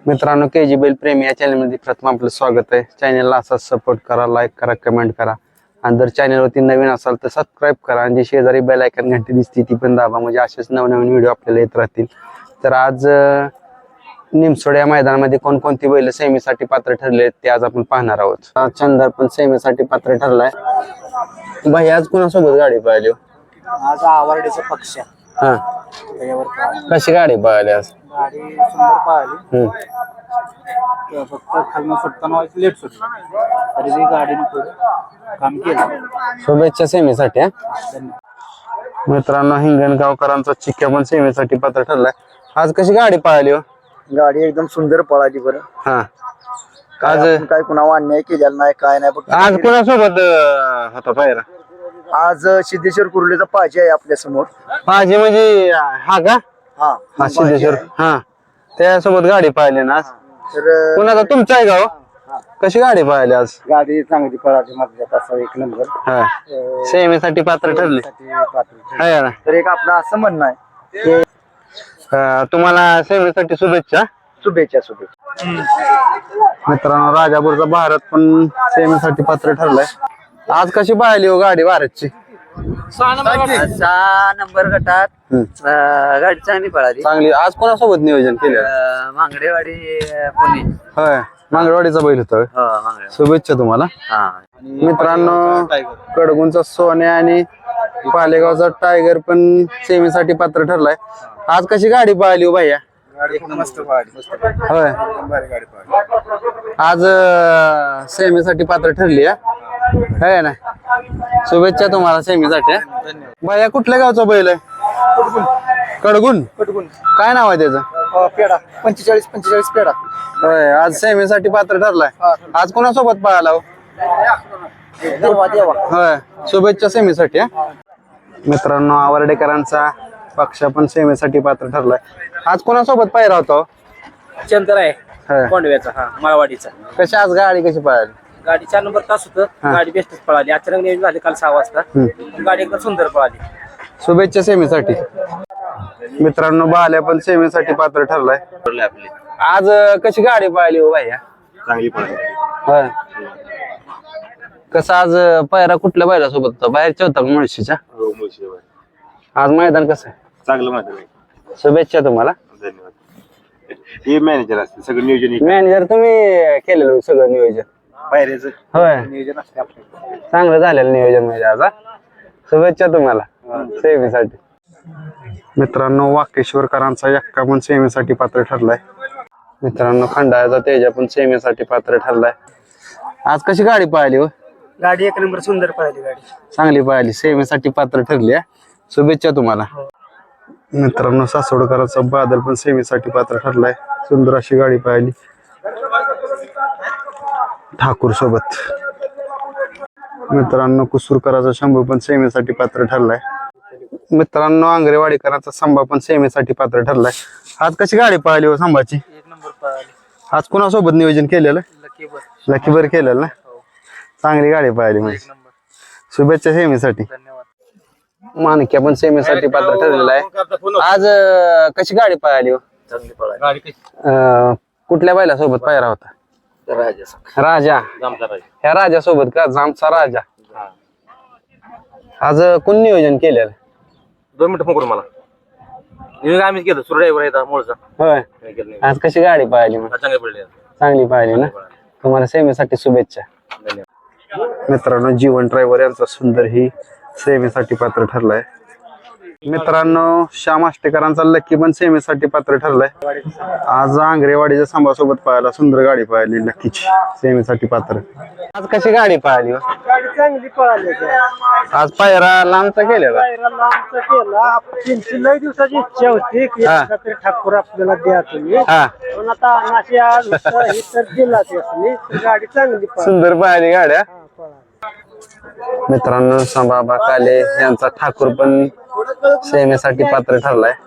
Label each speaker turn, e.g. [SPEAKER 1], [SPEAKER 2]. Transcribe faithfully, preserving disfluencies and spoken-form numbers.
[SPEAKER 1] मित्रांनो, के जी बैल प्रेमी या चॅनलमध्ये प्रथम आपलं स्वागत आहे. चॅनलला असाच सपोर्ट करा, लाईक करा, कमेंट करा आणि जर चॅनलवरती नवीन असाल तर सबस्क्राईब करा आणि जी शेजारी बेल आयकॉन घंटी दिसते ती पण दाबा, म्हणजे असेच नवनवीन व्हिडिओ आपल्याला येत राहतील. तर आज निमसोड या मैदानामध्ये कोणकोणती बैल सेमीसाठी पात्र ठरले ते आज आपण पाहणार आहोत. चंदर पण सेमीसाठी पात्र ठरलाय. भाई आज कुणासोबत गाडी पाहिली?
[SPEAKER 2] आज आवडीचा पक्ष.
[SPEAKER 1] हा, कशी गाडी पाहिली आज?
[SPEAKER 2] गाडी सुंदर पाहिली.
[SPEAKER 1] हम्म
[SPEAKER 2] फक्त खालून सुटताना व्हायची लेट सुटली तरी बी गाडीने पुढे काम केलं.
[SPEAKER 1] शुभेच्छा सेमीसाठी. मित्रांनो, हिंगणगावकरांचा चिक्क्या पण सेमीसाठी पात्र ठरलाय. आज कशी गाडी पाहिली हो?
[SPEAKER 2] गाडी एकदम सुंदर पळाली बरं.
[SPEAKER 1] हा,
[SPEAKER 2] आज
[SPEAKER 1] आज
[SPEAKER 2] काय कुणावर अन्याय केलेला नाही, काय नाही. फक्त
[SPEAKER 1] आज कोणासोबत अं, होता पायरा?
[SPEAKER 2] आज सिद्धेश्वर कुर्लेचा पाहिजे आहे आपल्या समोर.
[SPEAKER 1] माझी म्हणजे हा का?
[SPEAKER 2] हा
[SPEAKER 1] हा, सिद्धेश्वर. हा, त्यासोबत गाडी पाहिली ना आज.
[SPEAKER 2] तर
[SPEAKER 1] कुणाचा तुमचा आहे का हो? कशी गाडी पाहिली आज?
[SPEAKER 2] गाडी चांगली पळाली, माझ्या तासा एक नंबर.
[SPEAKER 1] हा, सेमीसाठी पात्र ठरले. आहे ना?
[SPEAKER 2] तर एक आपलं असं म्हणणं आहे की
[SPEAKER 1] अं, तुम्हाला सेमीसाठी शुभेच्छा.
[SPEAKER 2] शुभेच्छा शुभेच्छा.
[SPEAKER 1] मित्रांनो, राजापूरचा भारत पण सेमीसाठी पात्र ठरलाय. आज कशी पाहिली हो गाडी भारतची?
[SPEAKER 2] सहा नंबर गटात
[SPEAKER 1] हम्म.
[SPEAKER 2] अं, गाडी चांगली पळाली.
[SPEAKER 1] चांगली. आज कोणासोबत नियोजन केलं?
[SPEAKER 2] अं, मांगडेवाडी पुणे.
[SPEAKER 1] होय, मांगडवाडीचा बैल होता होय.
[SPEAKER 2] हो मांगडे.
[SPEAKER 1] शुभेच्छा तुम्हाला.
[SPEAKER 2] हा
[SPEAKER 1] मित्रांनो, कडगुंचा सोन्या आणि पालेगावचा टायगर पण सेमीसाठी पात्र ठरलाय. आज कशी गाडी पाहिली हो भैया?
[SPEAKER 2] गाडी मस्त पळाली.
[SPEAKER 1] होय,
[SPEAKER 2] गाडी पळाली.
[SPEAKER 1] आज सेमीसाठी पात्र ठरली आहे ना? शुभेच्छा तुम्हाला सेमीसाठी. भैया कुठल्या गावचा बैल आहे? कडगुण.
[SPEAKER 2] पटकून
[SPEAKER 1] काय नाव आहे त्याचं?
[SPEAKER 2] पेडा पंचेचाळीस पंचेचाळीस पेडा.
[SPEAKER 1] होय, आज सेमीसाठी पात्र ठरलाय. आज कोणासोबत पाहायला हो?
[SPEAKER 2] देवा देवा.
[SPEAKER 1] होय, शुभेच्छा सेमीसाठी. हा. मित्रांनो, आवर्डेकरांचा पक्ष पण सेमीसाठी पात्र ठरलाय. आज कोणासोबत पाहिला होता?
[SPEAKER 2] चंद्र आहे
[SPEAKER 1] होय.
[SPEAKER 2] कोंडव्याचा. हा माळवाडीचा.
[SPEAKER 1] कशी आज गाडी कशी पाहिली?
[SPEAKER 2] गाडी चार नंबर तास होतं.
[SPEAKER 1] हा.
[SPEAKER 2] गाडी बेस्टच पळाली. अचानक नियोजन झाले काल सहा वाजता.
[SPEAKER 1] हम्म.
[SPEAKER 2] गाडी एकदम सुंदर पळाली.
[SPEAKER 1] शुभेच्छा सेमीसाठी. मित्रांनो, बाल्या पण सेमीसाठी पात्र ठरलाय.
[SPEAKER 2] आपली
[SPEAKER 1] आज अं, कशी गाडी पाहिली हो भैया?
[SPEAKER 2] चांगली पळाली.
[SPEAKER 1] होय, कसं आज अं, पायरा कुठल्या बैला सोबत होता? बाहेरच्या होता का मुळशीच्या? आज मैदान कसं आहे?
[SPEAKER 3] चांगलं माहिती आहे.
[SPEAKER 1] शुभेच्छा तुम्हाला.
[SPEAKER 3] धन्यवाद. हे मॅनेजर असते सगळं नियोजन
[SPEAKER 1] मॅनेजर तुम्ही केलेलं सगळं नियोजन?
[SPEAKER 3] पायऱ्याचं
[SPEAKER 1] होय,
[SPEAKER 2] नियोजन असते आपलं.
[SPEAKER 1] चांगलं झालेलं नियोजन म्हणजे आज. हा? शुभेच्छा तुम्हाला सेमीसाठी. मित्रांनो, वाकेश्वरकरांचा यक्का पण सेमीसाठी पात्र ठरलाय. मित्रांनो, खंडाळ्याचा तेजा पण सेमीसाठी पात्र ठरलाय. आज कशी गाडी पाहिली हो?
[SPEAKER 2] गाडी एक नंबर सुंदर पळाली. गाडी
[SPEAKER 1] चांगली पाहिली, सेमीसाठी पात्र ठरली. हा? शुभेच्छा तुम्हाला. मित्रांनो, सासवडकरांचा बादल पण सेमीसाठी पात्र ठरलाय. सुंदर अशी गाडी पाहिली ठाकूर सोबत. मित्रांनो, कुसूरकरांचा शंभू पण सेमीसाठी पात्र ठरलाय. मित्रांनो, आंगरेवाडीकरांचा संभा पण सेमीसाठी पात्र ठरलाय. आज कशी गाडी पाहिली हो संभाची?
[SPEAKER 2] एक नंबर पळाली.
[SPEAKER 1] आज कोणासोबत नियोजन केलेलं?
[SPEAKER 2] लकी बर.
[SPEAKER 1] लकीबर केलेलं ना? चांगली गाडी पाहिली म्हणजे.
[SPEAKER 2] नंबर.
[SPEAKER 1] शुभेच्छा सेमीसाठी.
[SPEAKER 2] धन्यवाद.
[SPEAKER 1] मानक्या पण सेमीसाठी पात्र ठरलेला आहे. आज अं, कशी गाडी पाहिली हो?
[SPEAKER 2] चांगली पळाली. गाडी कशी?
[SPEAKER 1] अं, कुठल्या बैला सोबत पायरा होता?
[SPEAKER 2] राजा
[SPEAKER 1] राजा. ह्या राजा सोबत का? जामचा राजा. आज अं, कोण नियोजन केलेलं?
[SPEAKER 2] दोन मिनिटं फोन करू मला. नियोजन आम्हीच केलं. सुरू ड्रायव्हर आहे मूळचा.
[SPEAKER 1] होय, आज कशी गाडी पाहिली मग?
[SPEAKER 2] चांगली पडली.
[SPEAKER 1] चांगली पाहिली ना? तुम्हाला सेमीसाठी शुभेच्छा.
[SPEAKER 2] धन्यवाद.
[SPEAKER 1] मित्रांनो, जीवन ड्रायव्हर यांचा सुंदर ही सेमीसाठी पात्र ठरलाय. मित्रांनो, श्याम आष्टेकरांचा लक्की पण सेमीसाठी पात्र ठरलाय. आज आंगरेवाडीच्या संभासोबत पाहायला सुंदर गाडी पाहिली लक्कीची, सेमीसाठी पात्र. आज कशी गाडी पाहिली हो?
[SPEAKER 2] गाडी चांगली पळाली.
[SPEAKER 1] आज पायरा लांबचा केलेला.
[SPEAKER 2] लांबचा केला. तीनशे लई दिवसाची इच्छा होती की
[SPEAKER 1] हा.
[SPEAKER 2] तरी ठाकूर आपल्याला द्या तुम्ही.
[SPEAKER 1] हा,
[SPEAKER 2] पण आता अनाशी आज हे तर दिला त्यासनी. गाडी चांगली पळाली.
[SPEAKER 1] सुंदर पाहिली गाड्या.
[SPEAKER 2] हा, पळाली.
[SPEAKER 1] मित्रांनो, संभाबा काले यांचा ठाकूर पण सेमीसाठी पात्र ठरलाय.